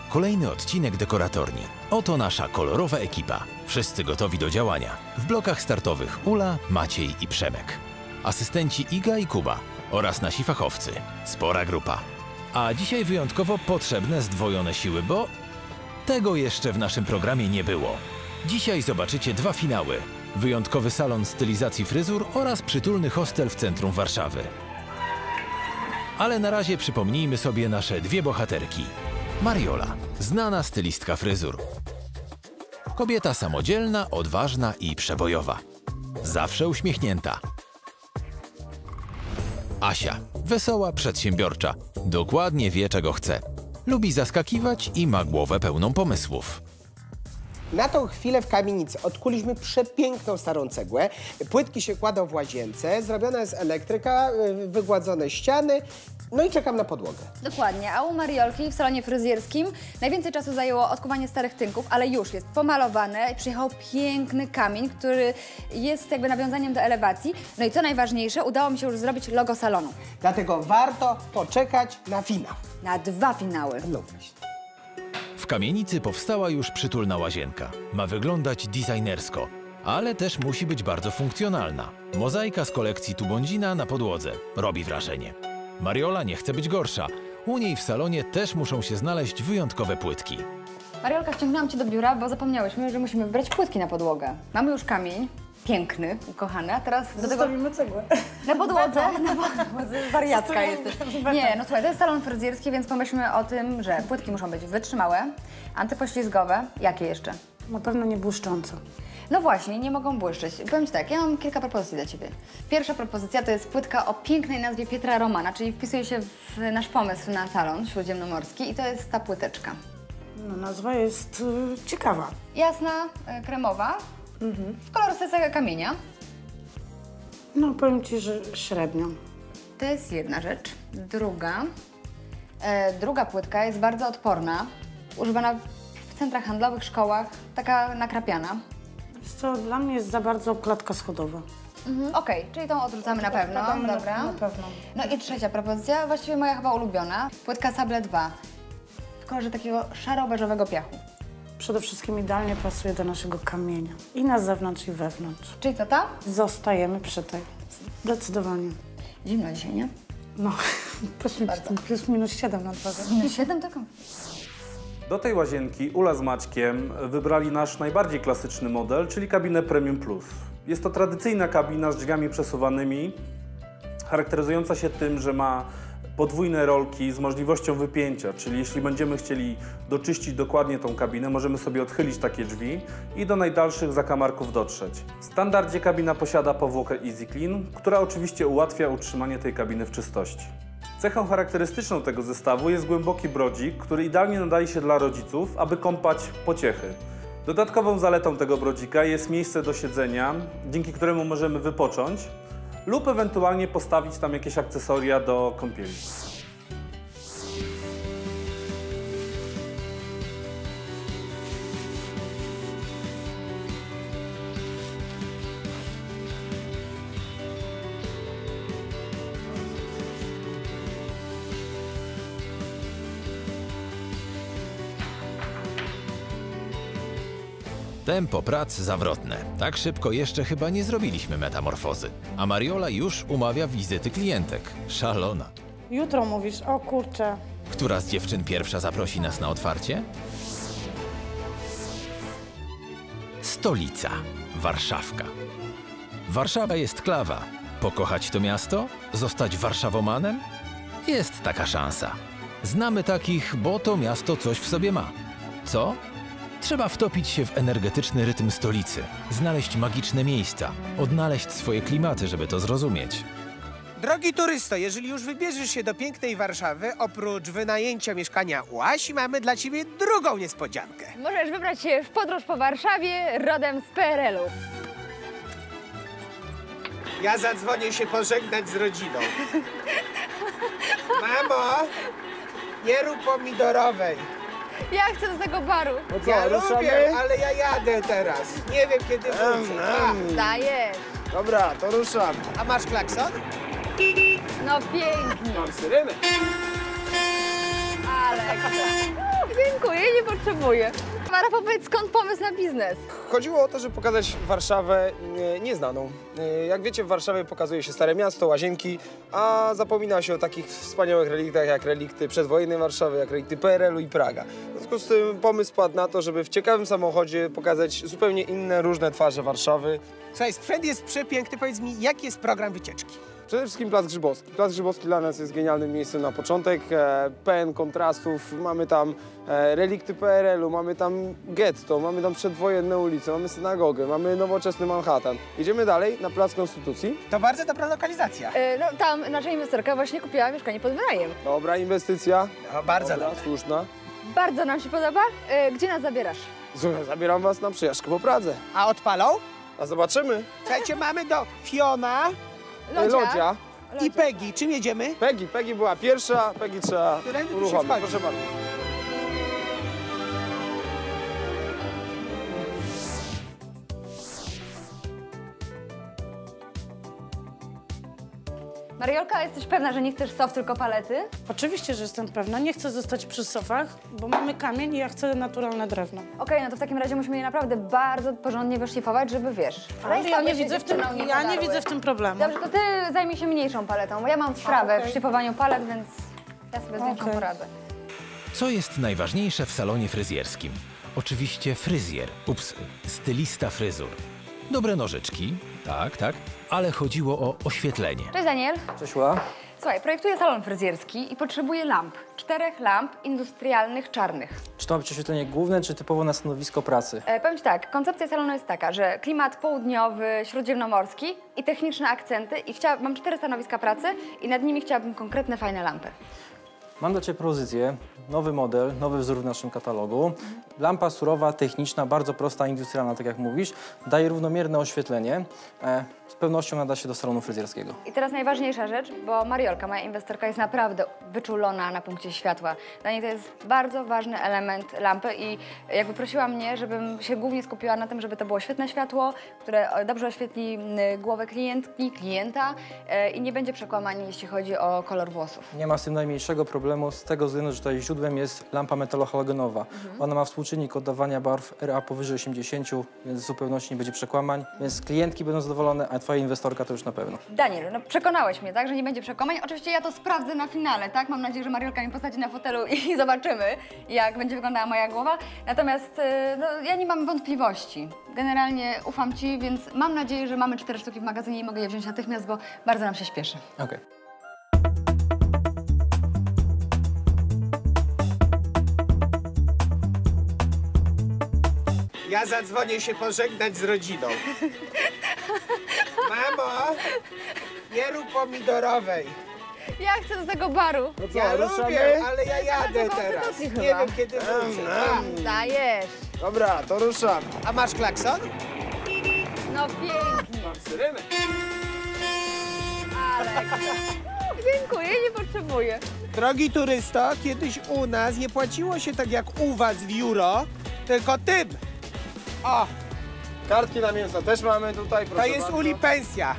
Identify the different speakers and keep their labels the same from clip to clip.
Speaker 1: Kolejny odcinek dekoratorni. Oto nasza kolorowa ekipa. Wszyscy gotowi do działania. W blokach startowych Ula, Maciej i Przemek. Asystenci Iga i Kuba oraz nasi fachowcy. Spora grupa. A dzisiaj wyjątkowo potrzebne zdwojone siły, bo tego jeszcze w naszym programie nie było. Dzisiaj zobaczycie dwa finały. Wyjątkowy salon stylizacji fryzur oraz przytulny hostel w centrum Warszawy. Ale na razie przypomnijmy sobie nasze dwie bohaterki. Mariola, znana stylistka fryzur. Kobieta samodzielna, odważna i przebojowa. Zawsze uśmiechnięta. Asia, wesoła, przedsiębiorcza. Dokładnie wie, czego chce. Lubi zaskakiwać i ma głowę pełną pomysłów.
Speaker 2: Na tą chwilę w kamienicy odkuliśmy przepiękną starą cegłę. Płytki się kładą w łazience, zrobiona jest elektryka, wygładzone ściany. No i czekam na podłogę.
Speaker 3: Dokładnie, a u Mariolki w salonie fryzjerskim najwięcej czasu zajęło odkuwanie starych tynków, ale już jest pomalowane. Przyjechał piękny kamień, który jest jakby nawiązaniem do elewacji. No i co najważniejsze, udało mi się już zrobić logo salonu.
Speaker 2: Dlatego warto poczekać na finał.
Speaker 3: Na dwa finały.
Speaker 2: No właśnie.
Speaker 1: W kamienicy powstała już przytulna łazienka. Ma wyglądać designersko, ale też musi być bardzo funkcjonalna. Mozaika z kolekcji Tubondzina na podłodze robi wrażenie. Mariola nie chce być gorsza. U niej w salonie też muszą się znaleźć wyjątkowe płytki.
Speaker 3: Mariolka, wciągnęłam cię do biura, bo zapomniałyśmy, że musimy wybrać płytki na podłogę. Mamy już kamień, piękny, ukochany, a teraz do tego...
Speaker 4: Zostawimy cegłę.
Speaker 3: Na podłodze? Na podłodze. Wariatka jesteś. Nie, no słuchaj, to jest salon fryzjerski, więc pomyślmy o tym, że płytki muszą być wytrzymałe, antypoślizgowe. Jakie jeszcze?
Speaker 4: Na pewno nie błyszcząco.
Speaker 3: No właśnie, nie mogą błyszczeć. Powiem ci tak, ja mam kilka propozycji dla ciebie. Pierwsza propozycja to jest płytka o pięknej nazwie Pietra Romana, czyli wpisuje się w nasz pomysł na salon śródziemnomorski i to jest ta płyteczka.
Speaker 4: No, nazwa jest ciekawa.
Speaker 3: Jasna, kremowa, w kolorystyce kamienia.
Speaker 4: No, powiem ci, że średnio.
Speaker 3: To jest jedna rzecz. Druga płytka jest bardzo odporna, używana w centrach handlowych, szkołach, taka nakrapiana.
Speaker 4: Wiesz co, dla mnie jest za bardzo klatka schodowa.
Speaker 3: Okej, czyli tą odrzucamy na pewno. Dobra.
Speaker 4: Na pewno.
Speaker 3: No i trzecia propozycja, właściwie moja chyba ulubiona. Płytka Sable 2 w kolorze takiego szaro-beżowego piachu.
Speaker 4: Przede wszystkim idealnie pasuje do naszego kamienia. I na zewnątrz, i wewnątrz.
Speaker 3: Czyli co tam?
Speaker 4: Zostajemy przy tej. Zdecydowanie.
Speaker 3: Zimno dzisiaj, nie?
Speaker 4: No, poszliśmy plus minus 7 na dworze.
Speaker 3: Minus 7 tylko?
Speaker 5: Do tej łazienki Ula z Maćkiem wybrali nasz najbardziej klasyczny model, czyli kabinę Premium Plus. Jest to tradycyjna kabina z drzwiami przesuwanymi, charakteryzująca się tym, że ma podwójne rolki z możliwością wypięcia, czyli jeśli będziemy chcieli doczyścić dokładnie tą kabinę, możemy sobie odchylić takie drzwi i do najdalszych zakamarków dotrzeć. W standardzie kabina posiada powłokę Easy Clean, która oczywiście ułatwia utrzymanie tej kabiny w czystości. Cechą charakterystyczną tego zestawu jest głęboki brodzik, który idealnie nadaje się dla rodziców, aby kąpać pociechy. Dodatkową zaletą tego brodzika jest miejsce do siedzenia, dzięki któremu możemy wypocząć lub ewentualnie postawić tam jakieś akcesoria do kąpieli.
Speaker 1: Tempo prac zawrotne. Tak szybko jeszcze chyba nie zrobiliśmy metamorfozy. A Mariola już umawia wizyty klientek. Szalona.
Speaker 4: Jutro mówisz, o kurczę.
Speaker 1: Która z dziewczyn pierwsza zaprosi nas na otwarcie? Stolica. Warszawka. Warszawa jest klawa. Pokochać to miasto? Zostać warszawomanem? Jest taka szansa. Znamy takich, bo to miasto coś w sobie ma. Co? Trzeba wtopić się w energetyczny rytm stolicy, znaleźć magiczne miejsca, odnaleźć swoje klimaty, żeby to zrozumieć.
Speaker 2: Drogi turysto, jeżeli już wybierzesz się do pięknej Warszawy, oprócz wynajęcia mieszkania u Asi, mamy dla ciebie drugą niespodziankę.
Speaker 3: Możesz wybrać się w podróż po Warszawie rodem z PRL-u.
Speaker 2: Ja zadzwonię się pożegnać z rodziną. Mamo, nie rób pomidorowej.
Speaker 3: Ja chcę do tego baru.
Speaker 2: Ja lubię, ale ja jadę teraz. Nie wiem, kiedy wrócę.
Speaker 3: Dajesz.
Speaker 2: Dobra, to ruszam. A masz klakson?
Speaker 3: No pięknie.
Speaker 2: Mam syrenę.
Speaker 3: Ale Dziękuję, nie potrzebuję. Rafał, powiedz, skąd pomysł na biznes?
Speaker 6: Chodziło o to, żeby pokazać Warszawę nieznaną. Jak wiecie, w Warszawie pokazuje się Stare Miasto, Łazienki, a zapomina się o takich wspaniałych reliktach jak relikty przedwojennej Warszawy, jak relikty PRL-u i Praga. W związku z tym pomysł padł na to, żeby w ciekawym samochodzie pokazać zupełnie inne, różne twarze Warszawy.
Speaker 2: Słuchaj, sprzęt jest przepiękny. Powiedz mi, jaki jest program wycieczki?
Speaker 6: Przede wszystkim Plac Grzybowski. Plac Grzybowski dla nas jest genialnym miejscem na początek. Pełen kontrastów. Mamy tam relikty PRL-u, mamy tam getto, mamy tam przedwojenne ulice, mamy synagogę, mamy nowoczesny Manhattan. Idziemy dalej na Plac Konstytucji.
Speaker 2: To bardzo dobra lokalizacja.
Speaker 3: No tam nasza inwestorka właśnie kupiła mieszkanie pod wynajem.
Speaker 6: Dobra inwestycja.
Speaker 2: No, bardzo
Speaker 6: Dobra,
Speaker 2: dobra.
Speaker 6: słuszna.
Speaker 3: Bardzo nam się podoba. Gdzie nas zabierasz?
Speaker 6: Słuchaj, zabieram was na przejażdżkę po Pradze.
Speaker 2: A odpalą?
Speaker 6: A zobaczymy.
Speaker 2: Słuchajcie, mamy do Fiona
Speaker 6: Lodzia.
Speaker 2: i Peggy. Czym jedziemy?
Speaker 6: Peggy była pierwsza, Peggy trzeba
Speaker 2: Którędy tu się
Speaker 6: uruchomić.
Speaker 2: wchodzi?
Speaker 6: Proszę bardzo.
Speaker 3: Mariolka, jesteś pewna, że nie chcesz soft, tylko palety?
Speaker 4: Oczywiście, że jestem pewna. Nie chcę zostać przy sofach, bo mamy kamień i ja chcę naturalne drewno.
Speaker 3: Okej, no to w takim razie musimy je naprawdę bardzo porządnie wyszlifować, żeby wiesz.
Speaker 4: Ale ja nie
Speaker 3: się
Speaker 4: widzę w tym,
Speaker 3: dziewczynom
Speaker 4: ja nie
Speaker 3: podarły.
Speaker 4: widzę w tym problemu.
Speaker 3: Dobrze, to ty zajmij się mniejszą paletą, bo ja mam wprawę
Speaker 4: okej.
Speaker 3: w szlifowaniu palet, więc ja sobie z większą
Speaker 4: Okej.
Speaker 3: poradzę.
Speaker 1: Co jest najważniejsze w salonie fryzjerskim? Oczywiście fryzjer, stylista fryzur. Dobre nożyczki, tak, ale chodziło o oświetlenie.
Speaker 3: Cześć Daniel.
Speaker 7: Cześć Ula.
Speaker 3: Słuchaj, projektuję salon fryzjerski i potrzebuję lamp. 4 lamp industrialnych, czarnych.
Speaker 7: Czy to ma być oświetlenie główne, czy typowo na stanowisko pracy?
Speaker 3: Powiem Ci tak, koncepcja salonu jest taka, że klimat południowy, śródziemnomorski i techniczne akcenty i mam 4 stanowiska pracy i nad nimi chciałabym konkretne, fajne lampy.
Speaker 7: Mam dla Ciebie propozycję, nowy model, nowy wzór w naszym katalogu. Lampa surowa, techniczna, bardzo prosta, industrialna, tak jak mówisz. Daje równomierne oświetlenie. Z pewnością nada się do salonu fryzjerskiego.
Speaker 3: I teraz najważniejsza rzecz, bo Mariolka, moja inwestorka, jest naprawdę wyczulona na punkcie światła. Dla niej to jest bardzo ważny element lampy i jakby prosiła mnie, żebym się głównie skupiła na tym, żeby to było świetne światło, które dobrze oświetli głowę klientki, klienta i nie będzie przekłamań, jeśli chodzi o kolor włosów.
Speaker 7: Nie ma z tym najmniejszego problemu z tego względu, że tutaj źródłem jest lampa metalohalogenową. Ona ma współczynnik oddawania barw RA powyżej 80, więc w zupełności nie będzie przekłamań, więc klientki będą zadowolone, a Twoja inwestorka to już na pewno.
Speaker 3: Daniel, no przekonałeś mnie, tak, że nie będzie przekłamań. Oczywiście ja to sprawdzę na finale, tak? Mam nadzieję, że Mariolka mnie posadzi na fotelu i zobaczymy, jak będzie wyglądała moja głowa. Natomiast no, ja nie mam wątpliwości. Generalnie ufam Ci, więc mam nadzieję, że mamy 4 sztuki w magazynie i mogę je wziąć natychmiast, bo bardzo nam się śpieszy.
Speaker 7: Okej.
Speaker 2: Ja zadzwonię się pożegnać z rodziną. Mamo, nie rób pomidorowej.
Speaker 3: Ja chcę do tego baru.
Speaker 6: No co,
Speaker 2: Ja
Speaker 6: ruszamy?
Speaker 2: lubię, ale ja jadę
Speaker 3: Bardzo
Speaker 2: teraz.
Speaker 3: konstytucji
Speaker 2: Nie
Speaker 3: chyba.
Speaker 2: wiem, kiedy wrócę.
Speaker 3: Dajesz.
Speaker 6: Dobra, to ruszam.
Speaker 2: A masz klakson?
Speaker 3: No pięknie.
Speaker 6: Syrenę.
Speaker 3: Ale... Dziękuję, nie potrzebuję.
Speaker 2: Drogi turysto, kiedyś u nas nie płaciło się tak jak u was w euro, tylko tym. O,
Speaker 6: Kartki na mięso też mamy tutaj, proszę
Speaker 2: to jest
Speaker 6: bardzo.
Speaker 2: uli pensja.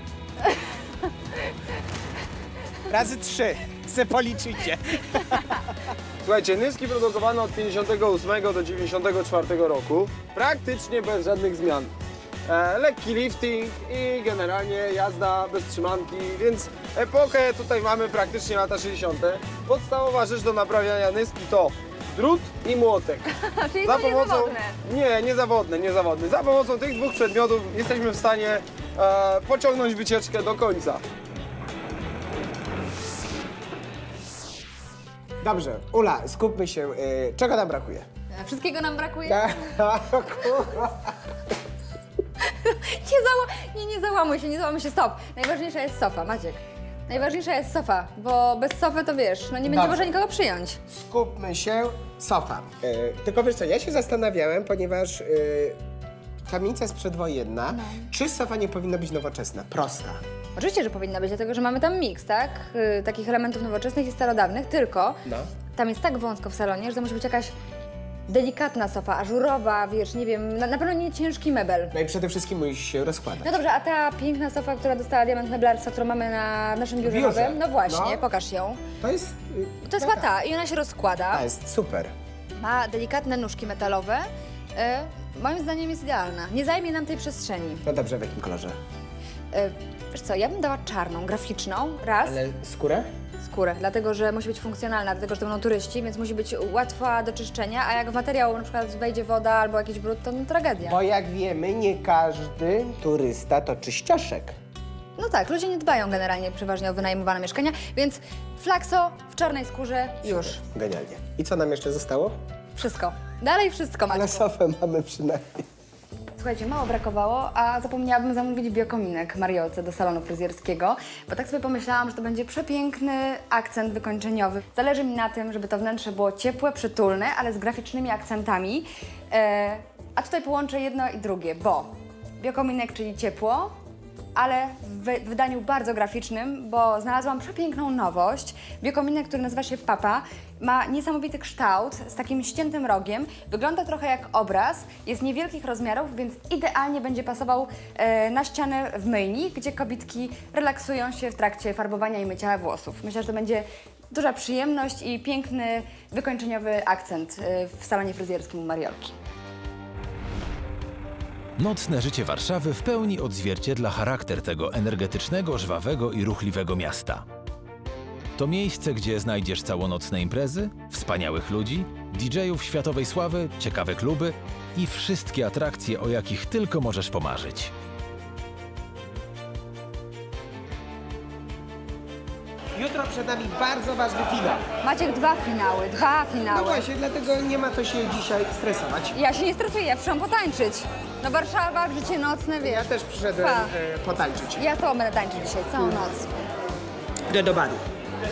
Speaker 2: Razy 3. Se policzycie.
Speaker 6: Słuchajcie, nyski produkowane od 58 do 94 roku, praktycznie bez żadnych zmian. Lekki lifting i generalnie jazda bez trzymanki, więc epokę tutaj mamy praktycznie lata 60. Podstawowa rzecz do naprawiania nyski to drut i młotek.
Speaker 3: Czyli to niezawodne.
Speaker 6: Nie, niezawodne. Za pomocą tych 2 przedmiotów jesteśmy w stanie pociągnąć wycieczkę do końca.
Speaker 2: Dobrze, Ula, skupmy się. Czego nam brakuje?
Speaker 3: Wszystkiego nam brakuje?
Speaker 2: Kurwa.
Speaker 3: Nie załamuj się, stop. Najważniejsza jest sofa, Maciek. Najważniejsza jest sofa, bo bez sofy to wiesz, no nie będzie
Speaker 2: Dobrze.
Speaker 3: można nikogo przyjąć.
Speaker 2: Skupmy się. Sofa. Tylko wiesz co, ja się zastanawiałem, ponieważ kamienica jest przedwojenna. Czy sofa nie powinna być nowoczesna? Prosta.
Speaker 3: Oczywiście, że powinna być, dlatego że mamy tam miks, tak? Takich elementów nowoczesnych i starodawnych, tylko
Speaker 2: No.
Speaker 3: tam jest tak wąsko w salonie, że to musi być jakaś delikatna sofa, ażurowa, wiesz, nie wiem, na pewno nie ciężki mebel.
Speaker 2: No i przede wszystkim musi się rozkładać.
Speaker 3: No dobrze, a ta piękna sofa, która dostała diament meblarstwa, którą mamy na naszym biurze
Speaker 2: biurze?
Speaker 3: nowym, no właśnie,
Speaker 2: No.
Speaker 3: pokaż ją.
Speaker 2: To jest...
Speaker 3: To jest chyba ta i ona się rozkłada.
Speaker 2: Ta jest super.
Speaker 3: Ma delikatne nóżki metalowe. Moim zdaniem jest idealna. Nie zajmie nam tej przestrzeni.
Speaker 2: No dobrze, w jakim kolorze?
Speaker 3: Wiesz co, ja bym dała czarną, graficzną, raz.
Speaker 2: Ale skórę?
Speaker 3: Skórę, dlatego że musi być funkcjonalna, dlatego że to będą turyści, więc musi być łatwa do czyszczenia, a jak w materiał na przykład wejdzie woda albo jakiś brud, to tragedia.
Speaker 2: Bo jak wiemy, nie każdy turysta to czyścioszek.
Speaker 3: No tak, ludzie nie dbają generalnie przeważnie o wynajmowane mieszkania, więc flakso w czarnej skórze już.
Speaker 2: Genialnie. I co nam jeszcze zostało?
Speaker 3: Wszystko. Dalej wszystko macie.
Speaker 2: Ale sofę mamy przynajmniej.
Speaker 3: Słuchajcie, mało brakowało, a zapomniałabym zamówić biokominek Mariolce do salonu fryzjerskiego, bo tak sobie pomyślałam, że to będzie przepiękny akcent wykończeniowy. Zależy mi na tym, żeby to wnętrze było ciepłe, przytulne, ale z graficznymi akcentami. A tutaj połączę jedno i drugie, bo biokominek, czyli ciepło, ale w wydaniu bardzo graficznym, bo znalazłam przepiękną nowość. Biokominek, który nazywa się Papa, ma niesamowity kształt z takim ściętym rogiem. Wygląda trochę jak obraz, jest niewielkich rozmiarów, więc idealnie będzie pasował na ścianę w myjni, gdzie kobietki relaksują się w trakcie farbowania i mycia włosów. Myślę, że to będzie duża przyjemność i piękny, wykończeniowy akcent w salonie fryzjerskim u Mariolki.
Speaker 1: Nocne życie Warszawy w pełni odzwierciedla charakter tego energetycznego, żwawego i ruchliwego miasta. To miejsce, gdzie znajdziesz całonocne imprezy, wspaniałych ludzi, DJ-ów światowej sławy, ciekawe kluby i wszystkie atrakcje, o jakich tylko możesz pomarzyć.
Speaker 2: Jutro przed nami bardzo ważny finał.
Speaker 3: Maciek, dwa finały.
Speaker 2: No właśnie, dlatego nie ma co się dzisiaj stresować.
Speaker 3: Ja się nie stresuję, ja przyszłam potańczyć. No Warszawa, życie nocne, wiesz.
Speaker 2: Ja też przyszedłem potańczyć.
Speaker 3: Ja z tobą będę tańczyć dzisiaj, całą noc.
Speaker 2: Idę do baru.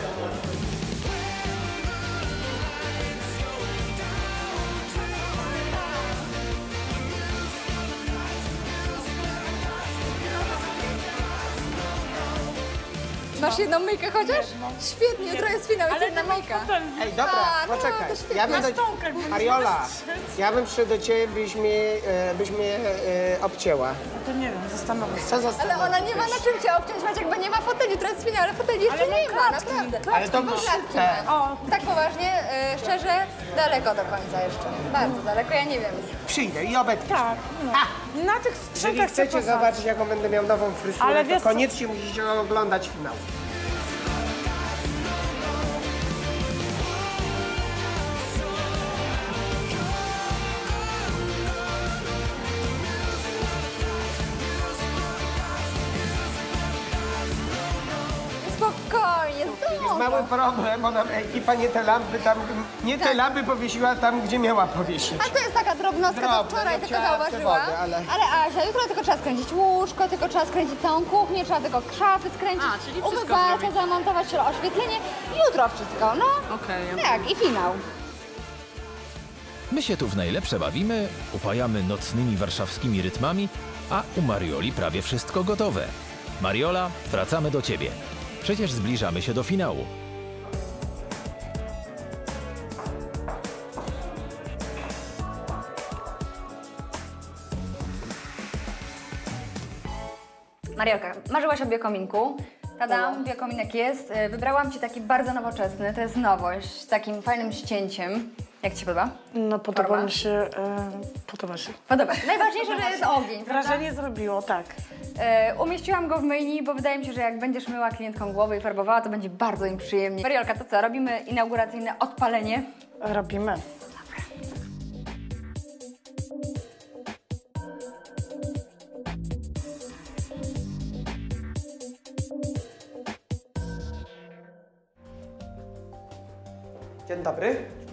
Speaker 3: Masz jedną myjkę chociaż? Świetnie, jutro jest finał, jest jedna myjka.
Speaker 2: Ej, dobra,
Speaker 3: no,
Speaker 2: poczekaj.
Speaker 3: to świetnie.
Speaker 2: Ja bym do...
Speaker 4: stołkach będziesz
Speaker 2: Mariola,
Speaker 4: patrzeć.
Speaker 2: ja bym przyszedł do ciebie, byś mnie obcięła.
Speaker 4: To nie wiem, zastanowię się.
Speaker 2: Co za
Speaker 3: Ale ona nie ma na czym cię obciąć, Maciek, bo nie ma foteli, jutro jest finał, ale foteli jeszcze
Speaker 4: Ale
Speaker 3: nie
Speaker 4: mam
Speaker 3: ma,
Speaker 4: klatki,
Speaker 3: naprawdę.
Speaker 2: Ale to
Speaker 3: Klatki
Speaker 2: te.
Speaker 3: ma. Tak poważnie, szczerze, daleko do końca jeszcze. Bardzo daleko, ja nie wiem.
Speaker 2: Przyjdę i obetnę.
Speaker 4: Tak, no. Na tych
Speaker 2: Jeżeli
Speaker 4: sprzętach
Speaker 2: chcecie
Speaker 4: chcę
Speaker 2: zobaczyć, jaką będę miał nową fryzurę,
Speaker 4: Ale
Speaker 2: to
Speaker 4: wiesz co?
Speaker 2: koniecznie musicie oglądać finał.
Speaker 3: Spokojnie,
Speaker 2: Jest mały problem, bo nam ekipa nie te lampy tam, te lampy powiesiła tam, gdzie miała powiesić.
Speaker 3: A to jest taka drobnostka,
Speaker 2: Drobne,
Speaker 3: to wczoraj
Speaker 2: ja
Speaker 3: tylko
Speaker 2: chciałam
Speaker 3: zauważyłam.
Speaker 2: wody, ale-
Speaker 3: Ale Asia, jutro tylko trzeba skręcić łóżko, tylko trzeba skręcić całą kuchnię, trzeba tylko szafy skręcić,
Speaker 4: czyli wszystko
Speaker 3: umywalkę
Speaker 4: zrobić.
Speaker 3: zamontować, oświetlenie. Jutro wszystko, no.
Speaker 4: Okej.
Speaker 3: Tak, i finał.
Speaker 1: My się tu w najlepsze bawimy, upajamy nocnymi warszawskimi rytmami, a u Marioli prawie wszystko gotowe. Mariola, wracamy do ciebie. Przecież zbliżamy się do finału.
Speaker 3: Mariolka, marzyłaś o biokominku. Tadam, biokominek jest. Wybrałam ci taki bardzo nowoczesny, to jest nowość, z takim fajnym ścięciem. Jak ci się podoba?
Speaker 4: No podoba
Speaker 3: Forma?
Speaker 4: mi się, podoba się.
Speaker 3: Podoba się. Najważniejsze, że jest ogień, prawda?
Speaker 4: Wrażenie zrobiło, tak.
Speaker 3: Umieściłam go w myjni, bo wydaje mi się, że jak będziesz myła klientkom głowę i farbowała, to będzie bardzo im przyjemnie. Mariolka, to co? Robimy inauguracyjne odpalenie.
Speaker 4: Robimy.
Speaker 2: Dzień dobry.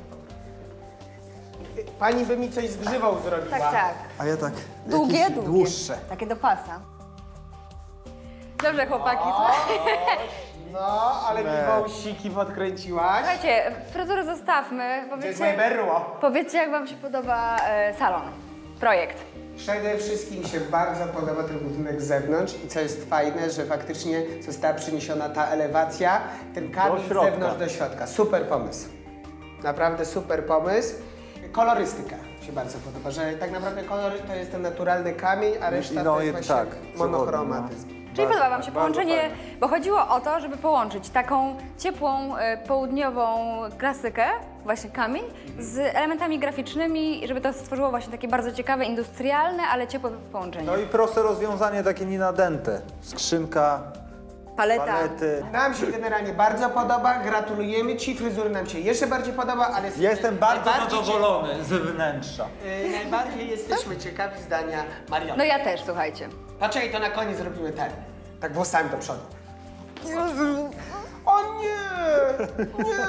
Speaker 2: Pani by mi coś z grzywą zrobiła.
Speaker 3: Tak, tak.
Speaker 8: A ja tak.
Speaker 3: Długie,
Speaker 8: jakieś
Speaker 3: długie.
Speaker 8: Dłuższe.
Speaker 3: Takie do pasa. Dobrze, chłopaki.
Speaker 2: No, ale mi wąsiki podkręciłaś.
Speaker 3: Słuchajcie, fryzurę zostawmy.
Speaker 2: Gdzie jest moje berło?
Speaker 3: Powiedzcie, jak wam się podoba salon, projekt.
Speaker 2: Przede wszystkim mi się bardzo podoba ten budynek z zewnątrz i co jest fajne, że faktycznie została przyniesiona ta elewacja, ten kamień z zewnątrz do środka. Super pomysł. Naprawdę super pomysł. Kolorystyka mi się bardzo podoba, że tak naprawdę kolor to jest ten naturalny kamień, a reszta to jest właśnie monochromatyzm.
Speaker 3: Czyli podoba Wam się
Speaker 6: bardzo
Speaker 3: połączenie,
Speaker 6: fajne.
Speaker 3: bo chodziło o to, żeby połączyć taką ciepłą, południową klasykę, właśnie kamień, z elementami graficznymi, żeby to stworzyło właśnie takie bardzo ciekawe, industrialne, ale ciepłe połączenie.
Speaker 8: No i proste rozwiązanie, takie nie nadęte. Skrzynka,
Speaker 3: Paleta.
Speaker 8: palety.
Speaker 2: Nam się generalnie bardzo podoba, gratulujemy Ci, fryzury nam się jeszcze bardziej podoba, ale...
Speaker 8: Jestem bardzo
Speaker 2: najbardziej
Speaker 8: zadowolony z wnętrza.
Speaker 2: Najbardziej jesteśmy ciekawi zdania Mariolki.
Speaker 3: No ja też, słuchajcie.
Speaker 2: Poczekaj, to na koniec zrobimy ten. Tak włosami do przodu. O nie! Nie!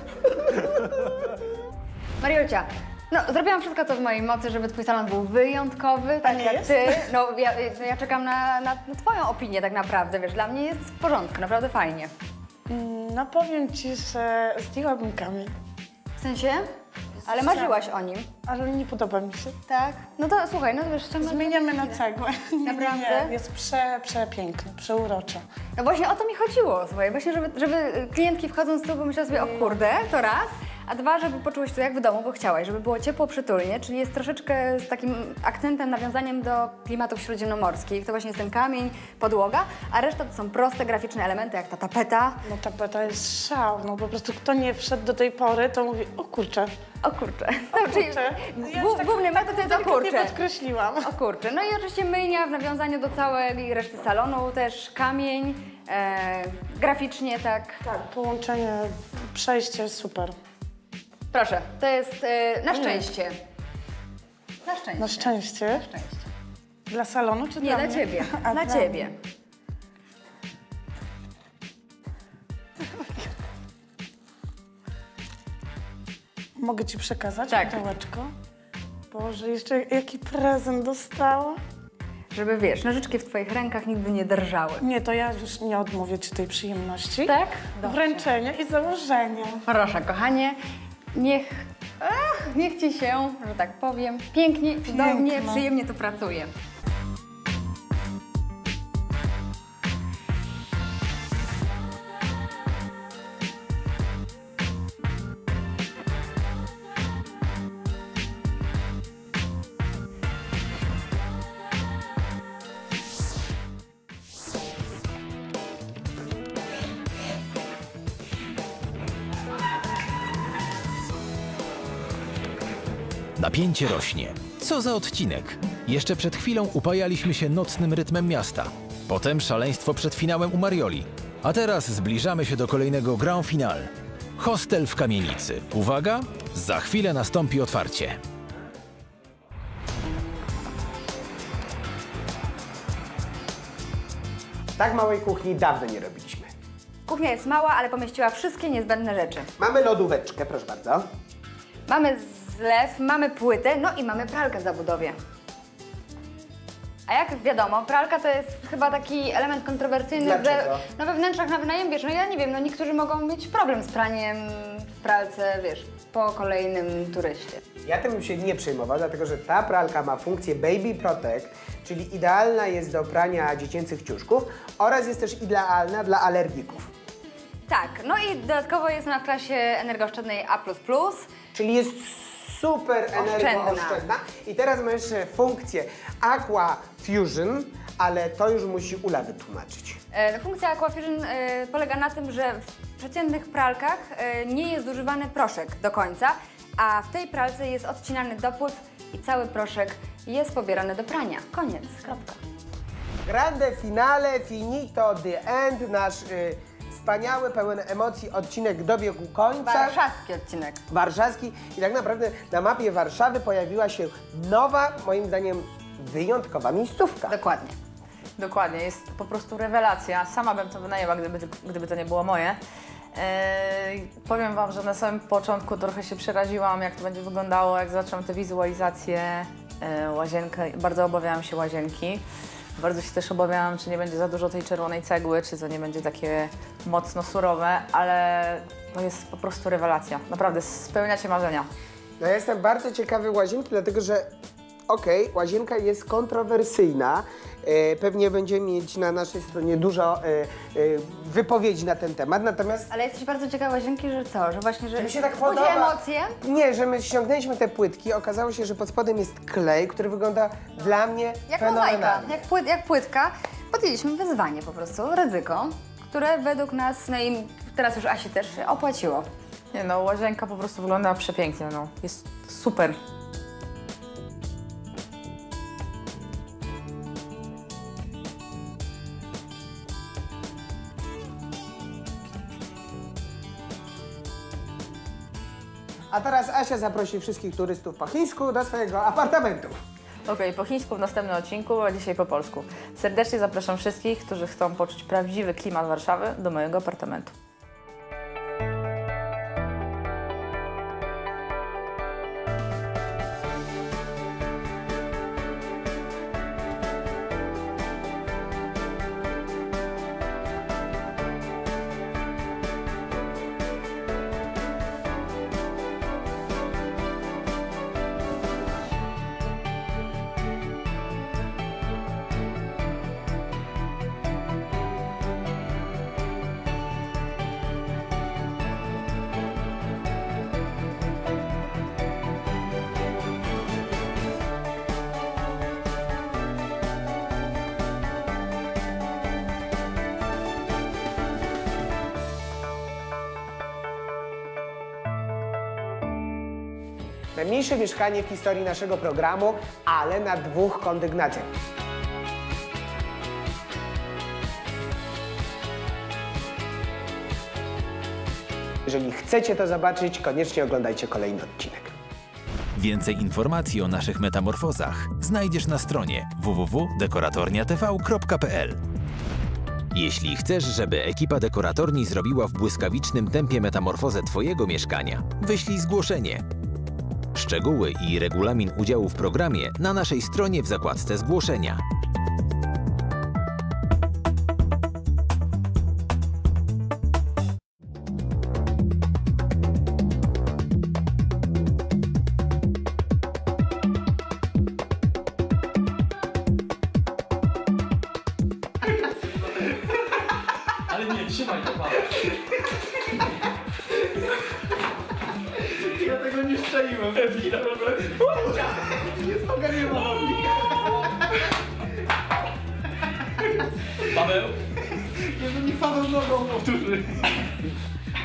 Speaker 3: Mariolcia, no zrobiłam wszystko, co w mojej mocy, żeby Twój salon był wyjątkowy, tak
Speaker 4: nie
Speaker 3: jak
Speaker 4: jest?
Speaker 3: Ty. No ja czekam na Twoją opinię tak naprawdę, wiesz, dla mnie jest w porządku, naprawdę fajnie.
Speaker 4: No powiem ci, że zdjęłabym kamień,
Speaker 3: W sensie? Ale marzyłaś o nim.
Speaker 4: ale nie podoba mi się.
Speaker 3: Tak? No to słuchaj, no wiesz, ciągle...
Speaker 4: Zmieniamy na cegłę.
Speaker 3: Naprawdę?
Speaker 4: Nie, jest przepiękny, przeuroczo.
Speaker 3: No właśnie o to mi chodziło, słuchaj, właśnie żeby klientki wchodząc tu pomyślały sobie, o kurde, to raz, a dwa, żeby poczułeś to jak w domu, bo chciałaś, żeby było ciepło, przytulnie, czyli jest troszeczkę z takim akcentem, nawiązaniem do klimatów śródziemnomorskich. To właśnie jest ten kamień, podłoga, a reszta to są proste, graficzne elementy, jak ta tapeta.
Speaker 4: No tapeta jest szał, no po prostu kto nie wszedł do tej pory, to mówi, o kurczę,
Speaker 3: O kurcze. No, czyli
Speaker 4: kurczę.
Speaker 3: główny metod to jest o
Speaker 4: delikatnie
Speaker 3: kurcze.
Speaker 4: podkreśliłam.
Speaker 3: O kurcze. No i oczywiście myjnia w nawiązaniu do całej reszty salonu, też kamień, graficznie tak.
Speaker 4: Tak, połączenie, przejście super.
Speaker 3: Proszę, to jest na szczęście. Na szczęście.
Speaker 4: Na szczęście.
Speaker 3: Na szczęście.
Speaker 4: Dla salonu czy
Speaker 3: Nie,
Speaker 4: dla
Speaker 3: dla
Speaker 4: mnie?
Speaker 3: Ciebie.
Speaker 4: A,
Speaker 3: Dla
Speaker 4: dla
Speaker 3: Ciebie.
Speaker 4: mnie. Mogę Ci przekazać
Speaker 3: Tak.
Speaker 4: pudełeczko? Boże, jeszcze jaki prezent dostała?
Speaker 3: Żeby wiesz, nożyczki w Twoich rękach nigdy nie drżały.
Speaker 4: Nie, to ja już nie odmówię Ci tej przyjemności.
Speaker 3: Tak?
Speaker 4: Wręczenia i założenia.
Speaker 3: Proszę, kochanie, niech Ci się, że tak powiem, pięknie, cudownie,
Speaker 4: Piękno.
Speaker 3: przyjemnie tu pracuje.
Speaker 1: Napięcie rośnie. Co za odcinek? Jeszcze przed chwilą upajaliśmy się nocnym rytmem miasta. Potem szaleństwo przed finałem u Marioli. A teraz zbliżamy się do kolejnego grand finale. Hostel w kamienicy. Uwaga, za chwilę nastąpi otwarcie.
Speaker 2: Tak małej kuchni dawno nie robiliśmy.
Speaker 3: Kuchnia jest mała, ale pomieściła wszystkie niezbędne rzeczy.
Speaker 2: Mamy lodóweczkę, proszę bardzo.
Speaker 3: Mamy zlew, mamy płytę, no i mamy pralkę w zabudowie. A jak wiadomo, pralka to jest chyba taki element kontrowersyjny,
Speaker 2: Dlaczego?
Speaker 3: że no we wnętrzach na wynajem, wiesz, no ja nie wiem, no niektórzy mogą mieć problem z praniem w pralce, wiesz, po kolejnym turyście.
Speaker 2: Ja tym bym się nie przejmował, dlatego że ta pralka ma funkcję Baby Protect, czyli idealna jest do prania dziecięcych ciuszków oraz jest też idealna dla alergików.
Speaker 3: Tak, no i dodatkowo jest ona w klasie energooszczędnej A++.
Speaker 2: Czyli jest super energooszczędna. I teraz ma jeszcze funkcję Aqua Fusion, ale to już musi Ula wytłumaczyć.
Speaker 3: Funkcja Aquafusion polega na tym, że w przeciętnych pralkach nie jest zużywany proszek do końca, a w tej pralce jest odcinany dopływ i cały proszek jest pobierany do prania. Koniec, kropka.
Speaker 2: Grande finale, finito, the end, nasz wspaniały, pełen emocji odcinek dobiegł końca.
Speaker 3: Warszawski odcinek.
Speaker 2: Warszawski i tak naprawdę na mapie Warszawy pojawiła się nowa, moim zdaniem, wyjątkowa miejscówka.
Speaker 3: Dokładnie.
Speaker 9: Dokładnie, jest po prostu rewelacja. Sama bym to wynajęła, gdyby to nie było moje. Powiem Wam, że na samym początku trochę się przeraziłam, jak to będzie wyglądało, jak zaczęłam te wizualizacje, łazienkę. Bardzo obawiałam się łazienki. Bardzo się też obawiałam, czy nie będzie za dużo tej czerwonej cegły, czy to nie będzie takie mocno surowe, ale to jest po prostu rewelacja. Naprawdę, spełniacie marzenia.
Speaker 2: No ja jestem bardzo ciekawy łazienki, dlatego że okej, łazienka jest kontrowersyjna. Pewnie będziemy mieć na naszej stronie dużo wypowiedzi na ten temat, natomiast...
Speaker 3: Ale jesteś bardzo ciekawa łazienki, że co? Że właśnie, że
Speaker 2: Mi się tak
Speaker 3: budzi
Speaker 2: podoba.
Speaker 3: emocje?
Speaker 2: Nie, że my ściągnęliśmy te płytki, okazało się, że pod spodem jest klej, który wygląda dla mnie
Speaker 3: Jak mozaika,
Speaker 2: fenomenalnie.
Speaker 3: jak płytka. podjęliśmy wyzwanie po prostu, ryzyko, które według nas, no i teraz już Asi też się opłaciło.
Speaker 9: Nie no, łazienka po prostu wygląda przepięknie, no. Jest super.
Speaker 2: A teraz Asia zaprosi wszystkich turystów po chińsku do swojego apartamentu.
Speaker 9: Okej, po chińsku w następnym odcinku, a dzisiaj po polsku. Serdecznie zapraszam wszystkich, którzy chcą poczuć prawdziwy klimat Warszawy, do mojego apartamentu.
Speaker 2: Najmniejsze mieszkanie w historii naszego programu, ale na 2 kondygnacjach. Jeżeli chcecie to zobaczyć, koniecznie oglądajcie kolejny odcinek.
Speaker 1: Więcej informacji o naszych metamorfozach znajdziesz na stronie www.dekoratorniatv.pl. Jeśli chcesz, żeby ekipa Dekoratorni zrobiła w błyskawicznym tempie metamorfozę Twojego mieszkania, wyślij zgłoszenie. Szczegóły i regulamin udziału w programie na naszej stronie w zakładce zgłoszenia.
Speaker 10: Ale nie, trzymaj to, Paweł. Ja tego nie szczeliłem. Nie ogarniłem. Paweł? Jezu, niech Paweł nogą powtórzy.